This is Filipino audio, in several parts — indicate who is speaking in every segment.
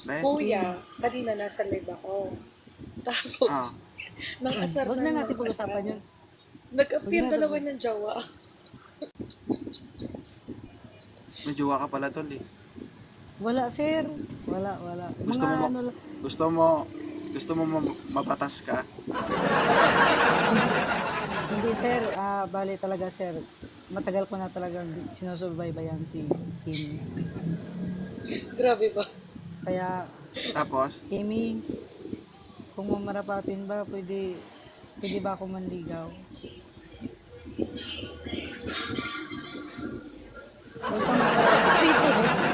Speaker 1: Kuya,
Speaker 2: Betty.
Speaker 1: kanina nasa live ako.
Speaker 2: Ah,
Speaker 1: Tapos, nang asar
Speaker 2: Huwag
Speaker 1: na
Speaker 2: na
Speaker 1: nang
Speaker 2: natin
Speaker 1: asar,
Speaker 2: pag-usapan yun. Huwag
Speaker 1: nag-appear
Speaker 2: na natin
Speaker 1: dalawa ng jawa.
Speaker 2: may jowa ka pala tol eh.
Speaker 3: Wala, sir. Wala.
Speaker 2: Gusto
Speaker 3: Mga
Speaker 2: mo,
Speaker 3: ano lang.
Speaker 2: gusto mo, gusto mo mabatas ka?
Speaker 3: Hindi, sir. Bali talaga, sir. Matagal ko na talagang sinusubaybayan si Kimi.
Speaker 1: Grabe ba?
Speaker 3: Kaya,
Speaker 2: Tapos,
Speaker 3: Kimi, kung mamarapatin ba, pwede ba ako manligaw? Huwag ka mag-alala.
Speaker 1: Dito.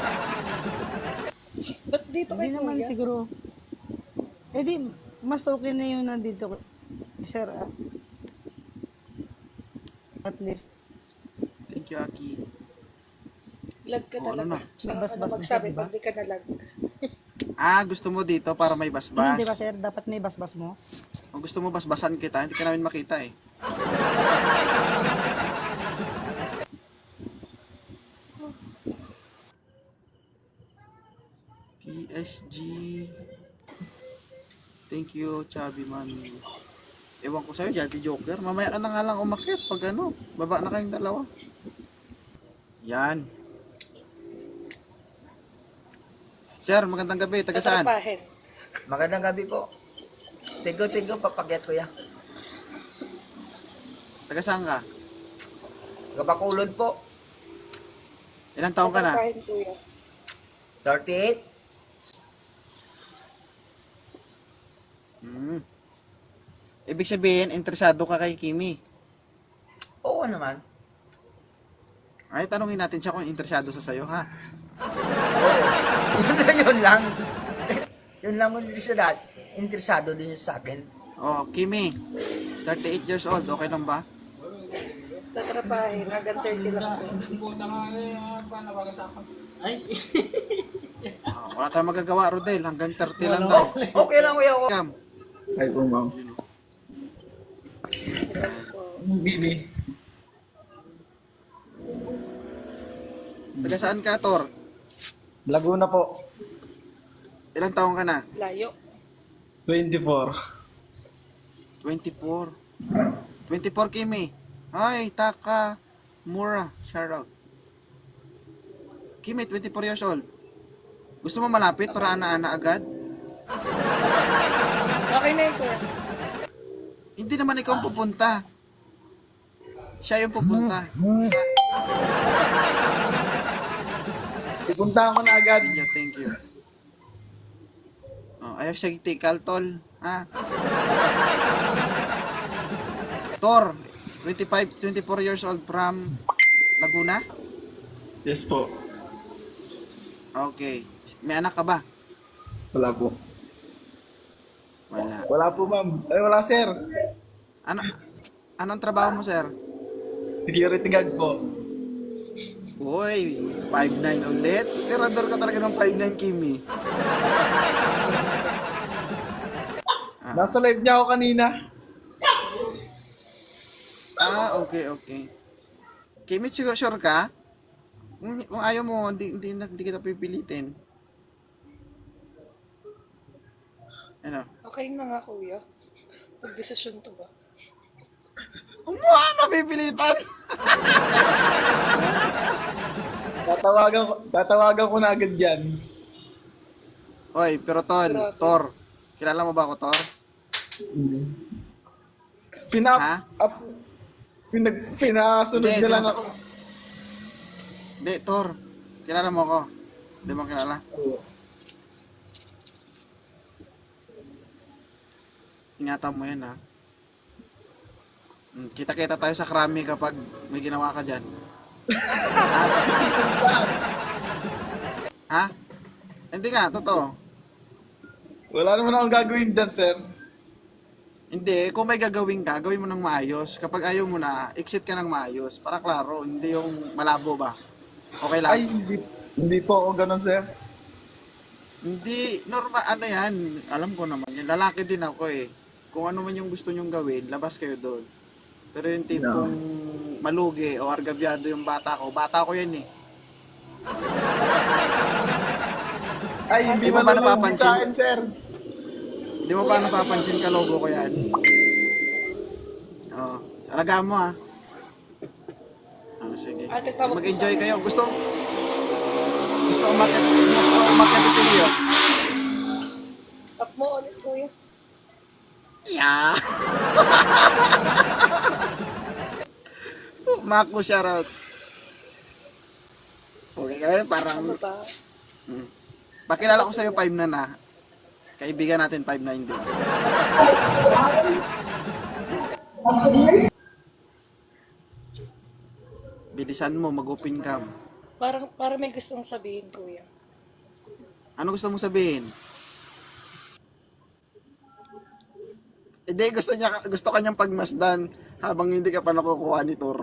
Speaker 1: Ba't dito
Speaker 3: Hindi
Speaker 1: kay
Speaker 3: naman
Speaker 1: Kuya?
Speaker 3: siguro. Eh di, mas okay na yung nandito, sir. At least,
Speaker 2: thank you Aki.
Speaker 1: Lag ka
Speaker 2: Oh, ano
Speaker 1: talaga.
Speaker 2: na?
Speaker 1: Saka ka na
Speaker 3: Nagbasbas na
Speaker 1: magsabi
Speaker 3: siya, diba?
Speaker 1: pag di ka nalag.
Speaker 2: Gusto mo dito para may basbas.
Speaker 3: Hindi ba, sir? Dapat may basbas mo?
Speaker 2: Kung gusto mo basbasan kita, hindi ka namin makita eh. PSG. Thank you, Chubby Mami. Ewan ko sa'yo, Jati Joker. Mamaya ka na nga lang umakyat pag ano. Baba na kayong dalawa. Yan. Sir, magandang gabi. Taga saan?
Speaker 1: Tatrapahin.
Speaker 4: Magandang gabi po. Tigo, papagyat ko ya.
Speaker 2: Taga saan ka?
Speaker 4: Gabakulod po.
Speaker 2: Ilang taong ka na?
Speaker 1: Tatrapahin, Kuya.
Speaker 4: 38.
Speaker 2: Hmm. Ibig sabihin, interesado ka kay Kimi.
Speaker 4: Oo naman.
Speaker 2: Ay, tanungin natin siya kung interesado sa sayo, ha?
Speaker 4: Oo. Yun lang. Yun lang mo interesado din sa akin.
Speaker 2: Oh, Kimi, 38 years old, okay lang ba?
Speaker 1: Tatrapahin. Hanggang 30 lang po.
Speaker 2: Wala tayong magagawa, Rodel. Hanggang 30 lang daw.
Speaker 4: Okay lang kuya ko.
Speaker 2: Cam,
Speaker 5: Ay po, ma'am. Bibi.
Speaker 2: taga saan ka, Tor?
Speaker 5: Laguna po.
Speaker 2: Ilang taong ka na?
Speaker 1: Layo.
Speaker 5: 24.
Speaker 2: 24. 24, Kimi. Ay, Taka Mura. Shoutout. Kimi, 24 years old. Gusto mo malapit para ana-ana agad?
Speaker 1: Okay na yun, Kuya.
Speaker 2: Hindi naman ikaw ang pupunta. Siya yung pupunta.
Speaker 5: Ipuntahan ko na agad.
Speaker 2: Yeah, thank you. Oh, ayaw siya tikal, tol. Ha? Tor, 24 years old from Laguna?
Speaker 5: Yes po.
Speaker 2: Okay. May anak ka ba?
Speaker 5: Wala po.
Speaker 2: Wala.
Speaker 5: Wala po, ma'am. Ay, wala, sir.
Speaker 2: Ano anong trabaho mo, sir?
Speaker 5: Security guard po.
Speaker 2: Uy, 5'9 ulit. Tirador ka talaga ng 5'9, Kimi.
Speaker 5: Nasa live niya ako kanina.
Speaker 2: Okay. Kimi, sure ka? Kung ayaw mo, hindi kita pipilitin. Ano?
Speaker 1: Okay na nga, Kuya. Pag-desisyon to ba?
Speaker 2: Ano pipilitan?
Speaker 5: Tatawagan ko na agad yan.
Speaker 2: Oy, pero
Speaker 1: Grabe.
Speaker 2: Tor, kilala mo ba ako, Tor? Ha?
Speaker 5: Pinasunod
Speaker 2: Hindi,
Speaker 5: niya lang
Speaker 2: hindi.
Speaker 5: ako.
Speaker 2: Hindi, Tor. Kilala mo ako. Hindi mo kilala? Ingatan mo yan, ha? Kita-kita tayo sa krami kapag may ginawa ka dyan. Ha? Hindi nga, totoo.
Speaker 5: Wala naman akong gagawin dyan, sir.
Speaker 2: Hindi, kung may gagawin ka, gawin mo ng maayos. Kapag ayaw mo na, exit ka ng maayos. Para klaro, hindi yung malabo ba? Okay lang?
Speaker 5: Ay, hindi po ako ganun, sir.
Speaker 2: Hindi, normal, ano yan, alam ko naman yan. Lalaki din ako eh. Kung ano man yung gusto nyong gawin, labas kayo doon. Pero yung tipong malugi o argabyado yung bata ko yan eh.
Speaker 5: Ay, hindi
Speaker 2: Di mo ba
Speaker 5: malulugi
Speaker 2: napapansin?
Speaker 5: sa akin, sir.
Speaker 2: Hindi mo pa napapansin ka logo ko yan? Oo. Alagaan mo ha. Sige.
Speaker 1: Ate, tawag ko
Speaker 2: Mag-enjoy
Speaker 1: sa-
Speaker 2: kayo. Gusto umakyat ito niyo.
Speaker 1: Tap mo ulit, kuya.
Speaker 2: Yeah. Mako shoutout. Okay kaya parang
Speaker 1: Ano ba?
Speaker 2: pakilala ko sa'yo 5 na. Kaibigan natin 5'9" din. Bilisan mo, mag-open cam.
Speaker 1: Parang may gustong sabihin, kuya.
Speaker 2: Ano gusto mong sabihin? Hindi, gusto kanyang pagmasdan habang hindi ka pa nakukuha ni Tor.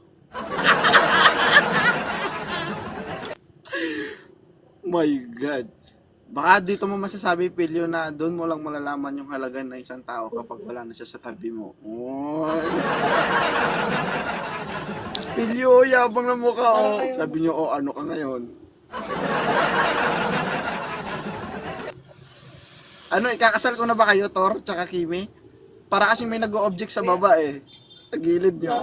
Speaker 2: My God. Baka dito mo masasabi, Pilyo, na doon mo lang malalaman yung halaga ng isang tao kapag wala na siya sa tabi mo. Oy. Pilyo, yabang na mukha. Oh. Sabi niyo, oh, ano ka ngayon? Ano, ikakasal ko na ba kayo, Tor, tsaka Kimi? Para kasing may nag-o-object sa baba eh. Sa gilid niyo.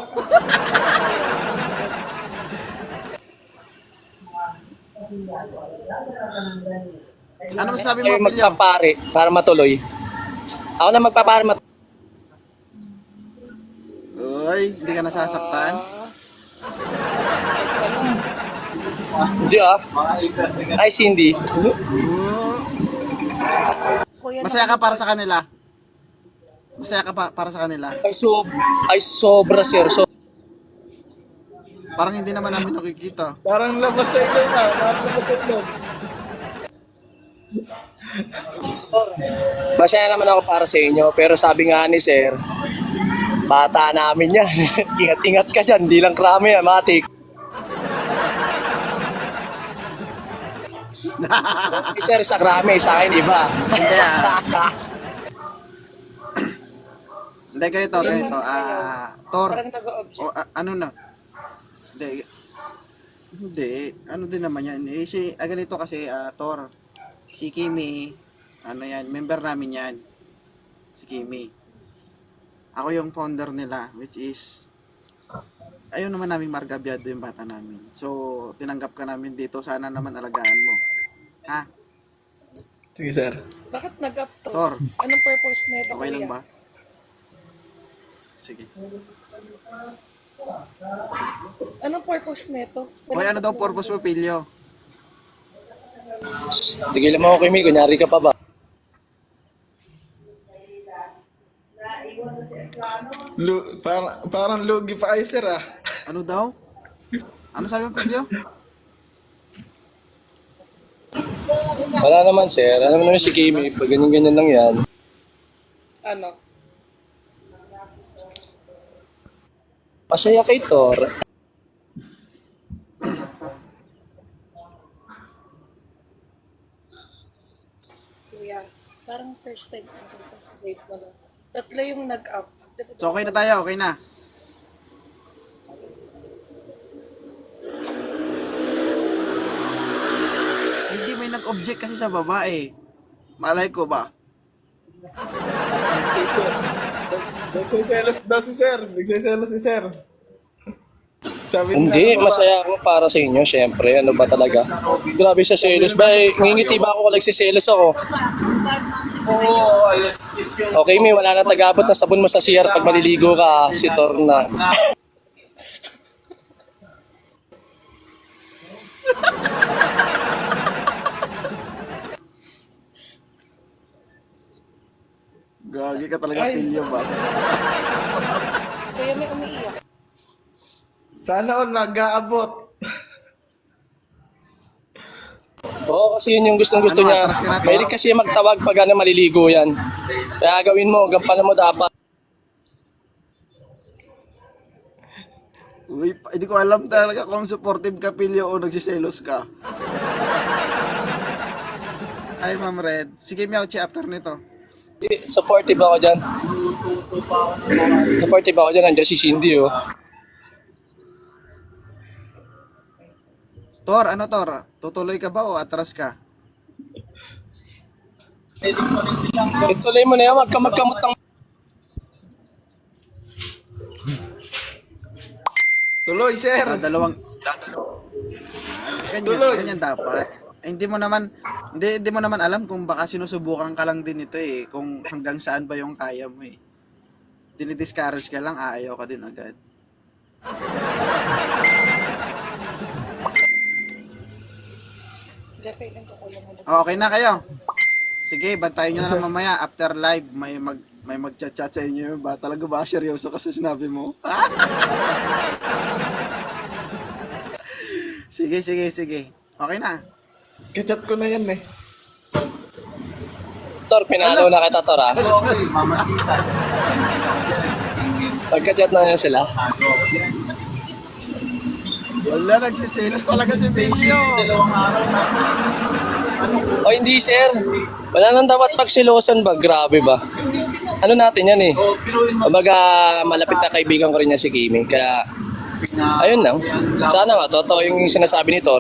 Speaker 2: Ano masasabi mo,
Speaker 6: Kayo
Speaker 2: Pilyo?
Speaker 6: magpapare para matuloy. Ako na magpapare
Speaker 2: Uy, hindi ka nasasaktan?
Speaker 6: Hindi ah. Ay, Cindy.
Speaker 1: Kuya,
Speaker 2: Masaya ka para sa kanila? Masaya ka para sa kanila?
Speaker 6: Ay, sobra, sir. So,
Speaker 2: Parang hindi naman namin nakikita.
Speaker 5: Parang labas sa ilong na. Parang labas sa ilong.
Speaker 6: masaya naman ako para sa inyo. Pero sabi nga ni sir, bata namin yan. Ingat-ingat ka dyan. Di lang krami yan, matik. Si sir sa krami, sa akin iba.
Speaker 2: Hindi Hindi, ganito. Tor,
Speaker 1: parang nag-o-object.
Speaker 2: ano na? Hindi. Ano din naman yan. Ganito kasi, Tor. Si Kimi, ano yan, member namin yan. Si Kimi. Ako yung founder nila, which is, ayaw naman namin margabyado yung bata namin. So, tinanggap ka namin dito. Sana naman alagaan mo. Ha?
Speaker 5: Sige, sir.
Speaker 1: Bakit nag-up to?
Speaker 2: Tor,
Speaker 1: Anong purpose nito,
Speaker 2: okay lang
Speaker 1: kuya?
Speaker 2: ba? Sige.
Speaker 1: Anong purpose nito?
Speaker 2: Hoy, ano daw purpose mo, Pilyo?
Speaker 6: Tigilan mo ako, Kimi. Kunyari ka pa ba?
Speaker 5: Parang lugi pa kayo, sir, ah.
Speaker 2: Ano daw? Ano sabi mo, Pilyo?
Speaker 6: Wala naman, sir. Alam mo naman si Kimi. Pag ganyan-ganyan lang yan.
Speaker 1: Ano?
Speaker 6: Masaya kay Tor.
Speaker 1: Kuya, parang first time ko dito sa grade mo na. Tatlo yung nag-up.
Speaker 2: So, okay na tayo, okay na. Hindi may nag-object kasi sa babae. Malay ko ba?
Speaker 5: Nagsiselos daw si sir. Nagsiselos si sir. Sabi
Speaker 6: Hindi,
Speaker 5: nila sa baba.
Speaker 6: masaya ako para sa inyo, syempre. Ano ba talaga? Grabe sa selos. Ba, ngingiti ba ako kung nagsiselos ako? Okay, may wala na tagabot na sabon mo sa CR pag maliligo ka, si Tor na.
Speaker 2: Gagi ka talaga, Pilyo ba?
Speaker 1: Kuya, may umiiyak.
Speaker 5: Sana all nag-aabot.
Speaker 6: Oo, kasi yun yung gustong-gusto
Speaker 2: Ano,
Speaker 6: niya.
Speaker 2: atras ka na, Tor?
Speaker 6: Mahilig kasi magtawag pag ano, maliligo yan. Kaya gawin mo, gampanan mo dapat.
Speaker 2: Uy, hindi ko alam talaga kung supportive ka, Pilyo, o nagsiselos ka. Ay, Ma'am Red. Sige, Miauchi, after nito.
Speaker 6: Supportive ako dyan. Supportive ako dyan. Nandiyan si Cindy, oh.
Speaker 2: Tor, ano Tor? Tutuloy ka ba o atras ka?
Speaker 6: Ituloy mo na yan, wag ka magkamot ng...
Speaker 5: Tuloy, sir.
Speaker 2: Dalawang ganyan,
Speaker 5: Tuloy.
Speaker 2: ganyan dapat. Hindi mo naman alam kung baka sinusubukan ka lang din ito eh, kung hanggang saan ba yung kaya mo eh. Dinidiscourage ka lang, aayaw ka din agad.
Speaker 1: Definitely ko lang ulit.
Speaker 2: Okay na kayo. Sige, bantayan nyo na lang mamaya after live may mag-chat-chat sa inyo ba? Talaga ba seryoso kasi sinabi mo? Sige. Okay na.
Speaker 5: Kachat ko na yan eh.
Speaker 6: Tor, pinalo na kita, Tor, ha? Pagka-chat na yan sila.
Speaker 2: Wala, nagsiselos talaga si Bilyo.
Speaker 6: O hindi, sir. Wala nang dapat pagsilosan ba? Grabe ba? Ano natin yan eh. Kumbaga, malapit na kaibigan ko rin niya si Kimi. Kaya, ayun lang. Sana nga, totoo yung sinasabi ni Tor.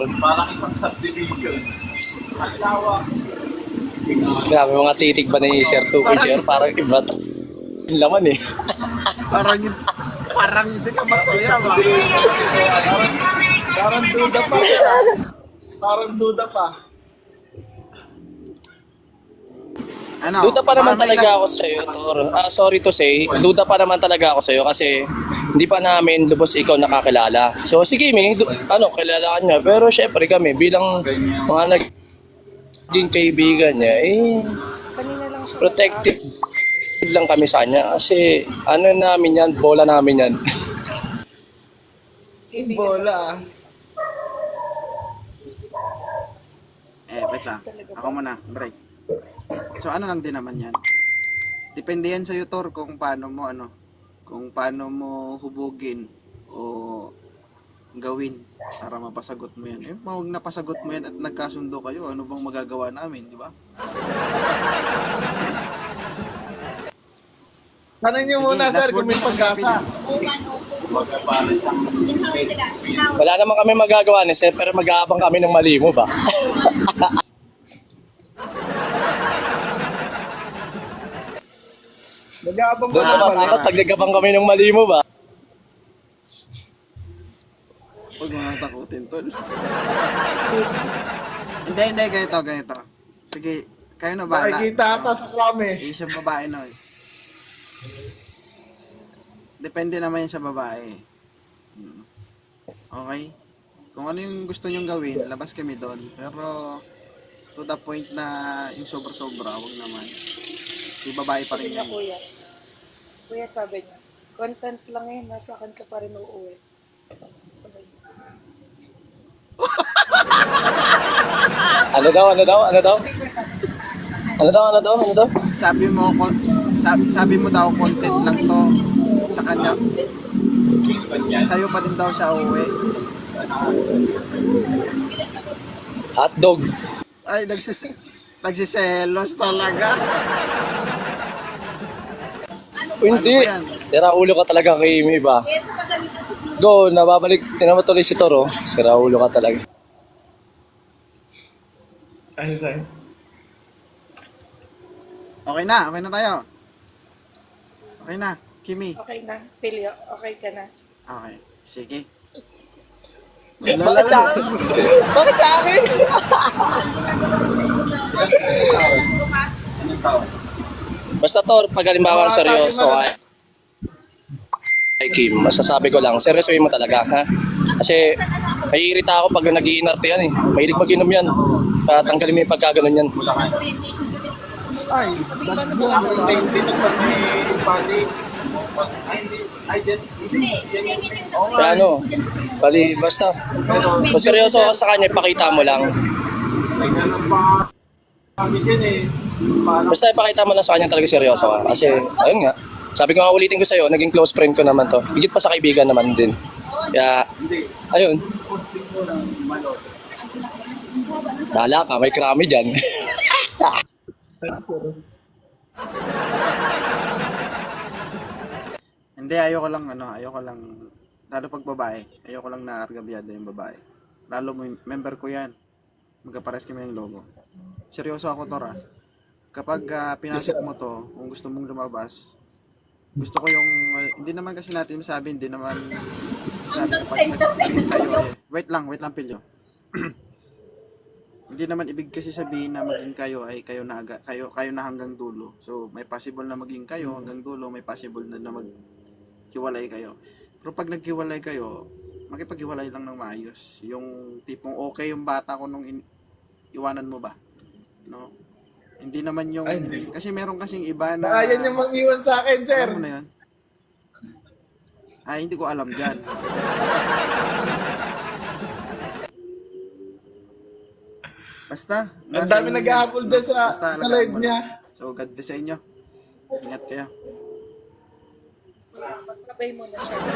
Speaker 6: Grabe, mga titig pa ni Sir Tukoy, sir. Parang iba yung laman eh.
Speaker 2: Parang hindi ka masaya ba?
Speaker 5: Parang duda pa, sir. Parang duda pa.
Speaker 2: Ano?
Speaker 6: Duda pa naman
Speaker 2: Parang may
Speaker 6: talaga ako sa iyo, Tor. Sorry to say, duda pa naman talaga ako sa iyo kasi hindi pa namin lubos ikaw nakakilala. So si Kimi, kilala ka niya. Pero syempre kami bilang mga naging kaibigan niya,
Speaker 1: Kanina lang siya.
Speaker 6: protective lang kami sa kanya kasi ano namin yan, bola namin yan.
Speaker 5: Bola.
Speaker 2: Wait lang. Ako muna, break. So ano lang din naman yan. Depende yan sa'yo, Tor, kung paano mo hubugin o gawin para mapasagot mo yan. Huwag napasagot mo yan at nagkasundo kayo, ano bang magagawa namin, di ba?
Speaker 5: Tanong nyo
Speaker 2: Sige,
Speaker 5: muna,
Speaker 2: last
Speaker 5: sir,
Speaker 2: word
Speaker 5: kung may
Speaker 2: mo,
Speaker 5: pag-asa.
Speaker 6: Wala naman kami magagawa ni Sir pero mag-aabang kami ng mali mo ba?
Speaker 5: Nag-aabang
Speaker 6: Doon naman takot pag nagabang kami ng mali mo ba?
Speaker 2: Huwag mo nang takutin, Tol. Hindi, ganito. Sige, kayo na ba?
Speaker 5: Nakikita ata sa krami.
Speaker 2: Isang babae no. Depende naman yan sa babae. Okay? Kung ano yung gusto nyong gawin, labas kami doon. Pero to the point na yung sobra-sobra, wag naman. Si babae pa rin
Speaker 1: Sabi niya,
Speaker 2: yan.
Speaker 1: kuya. Kuya sabi niya, content lang yun, nasa akin ka pa rin uuwi.
Speaker 6: Ano daw?
Speaker 2: Sabi mo daw content lang to sa kanya. Sa'yo pa din daw siya uwi.
Speaker 6: Hotdog.
Speaker 2: Ay, nagsiselos talaga.
Speaker 6: Hindi.
Speaker 2: Ano ba yan?
Speaker 6: Sira ulo ka talaga kay Amy ba? Go, nababalik. Tinan mo tuloy si Toro. Sira ulo ka talaga.
Speaker 5: Ano tayo?
Speaker 2: Okay na tayo. Okay na, Kimi.
Speaker 1: Okay na, Pilio, okay ka na.
Speaker 2: Okay, sige.
Speaker 6: Bakit sa akin? Bakit sa akin? Basta Tor, pag halimbawa seryoso ay Kim, masasabi ko lang, seryosoin mo talaga, ha? Kasi naiirita ako pag nag-iinarte yan eh. Mahilig mag-inom yan. Tanggalin mo yung pagkaganon yan.
Speaker 5: Ay,
Speaker 6: Kaya ano, basta. Kung seryoso ka sa kanya, pakita mo lang. Basta ipakita mo lang sa kanya talaga seryoso ka. Kasi, ayun nga, sabi ko nga ulitin ko sa'yo, naging close friend ko naman to. Higit pa sa kaibigan naman din. Kaya, ayun. Bahala ka, may krami dyan.
Speaker 2: Hindi, ayoko lang, lalo pag babae, ayoko lang na argabyado yung babae. Lalo member ko yan. Magkapares kami ng logo. Seryoso ako, Tora. kapag pinasok mo to, kung gusto mong lumabas, gusto ko yung, hindi naman kasi natin masabi, hindi naman sabi kapag nag-green kayo wait lang Pilyo. Hindi naman ibig kasi sabihin na maging kayo ay kayo na hanggang dulo. So may possible na maging kayo hanggang dulo, may possible na maghiwalay kayo. Pero pag naghiwalay kayo, makipaghiwalay lang ng maayos. Yung tipong okay yung bata ko nung iwanan mo ba? No? Hindi naman yung
Speaker 5: Ay, hindi.
Speaker 2: kasi meron kasing iba na
Speaker 5: Baka yan yung mang-iwan sa akin, sir.
Speaker 2: alam mo na yun? Ay, hindi ko alam dyan. Basta.
Speaker 5: Ang
Speaker 2: nasa
Speaker 5: dami
Speaker 2: inyo
Speaker 5: nag-aapol
Speaker 2: yun.
Speaker 5: doon sa
Speaker 2: Basta
Speaker 5: live
Speaker 2: nag-aapol.
Speaker 5: niya.
Speaker 2: So, God bless sa inyo. Ingat kayo.
Speaker 1: Magtrabay mo na siya.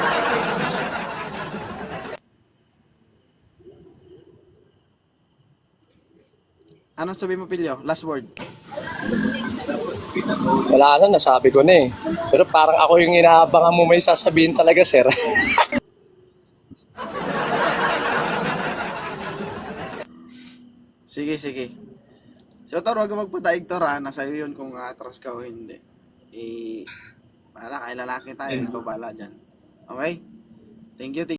Speaker 2: Anong sabi mo, Pilyo? Last word.
Speaker 6: Wala na, nasabi ko na eh. Pero parang ako yung inaabangan mo may sasabihin talaga, sir.
Speaker 2: Sige. So, Tor, huwag kang magpadaig, Tor, ha? Nasa iyo yun kung atras ka o hindi. Bahala, kay lalaki tayo. Ikaw bahala dyan. Okay? Thank you.